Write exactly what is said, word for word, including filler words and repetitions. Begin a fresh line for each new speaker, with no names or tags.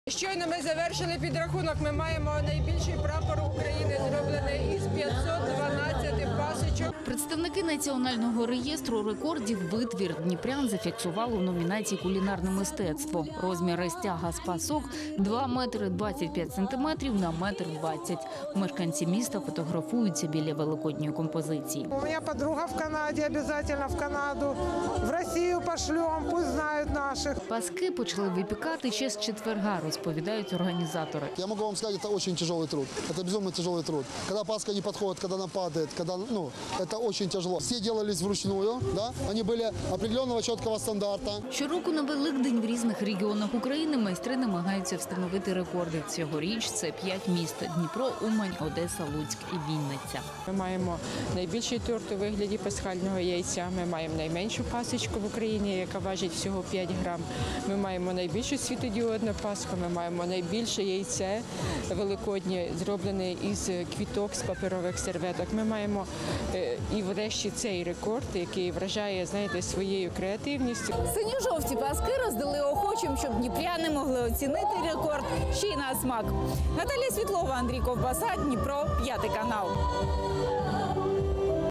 Щойно ми завершили підрахунок. Ми маємо найбільший прапор України, зроблений із п'ятсот дванадцяти пасочок.
Представники Національного реєстру рекордів «Витвір Дніпрян» зафіксували у номінації «Кулінарне мистецтво». Розміри стяга з пасок – два метри двадцять п'ять сантиметрів на метр двадцять. Мешканці міста фотографуються біля великодньої композиції.
У мене подруга в Канаді, обов'язково в Канаду. В Росію пошлемо, пусть знають наших.
Паски почали випікати ще з четверга, розповідають організатори.
Я могу вам сказать, это очень тяжелый труд. Это безумно тяжелый труд. Когда паска не подходит, когда она падает, когда, ну, это очень тяжело. Все делались вручную, да? Они были определенного четкого стандарта.
Щороку на Великдень в різних регіонах України майстри намагаються встановити рекорди. Цьогоріч це п'ять міст – Дніпро, Умань, Одеса, Луцьк і Вінниця.
Ми маємо найбільший торт у вигляді пасхального яйця. Ми маємо найменшу пасочку в Україні, яка важить всього п'ять грам. Ми маємо найбільшу світодіодну пасху. Ми маємо найбільше яйце великоднє, зроблене із квіток, з паперових серветок. Ми маємо і врешті цей рекорд, який вражає, знаєте, своєю креативністю.
Синьо-жовті паски роздали охочим, щоб дніпряни могли оцінити рекорд ще й на смак. Наталія Світлова, Андрій Ковбаса, Дніпро, п'ятий канал.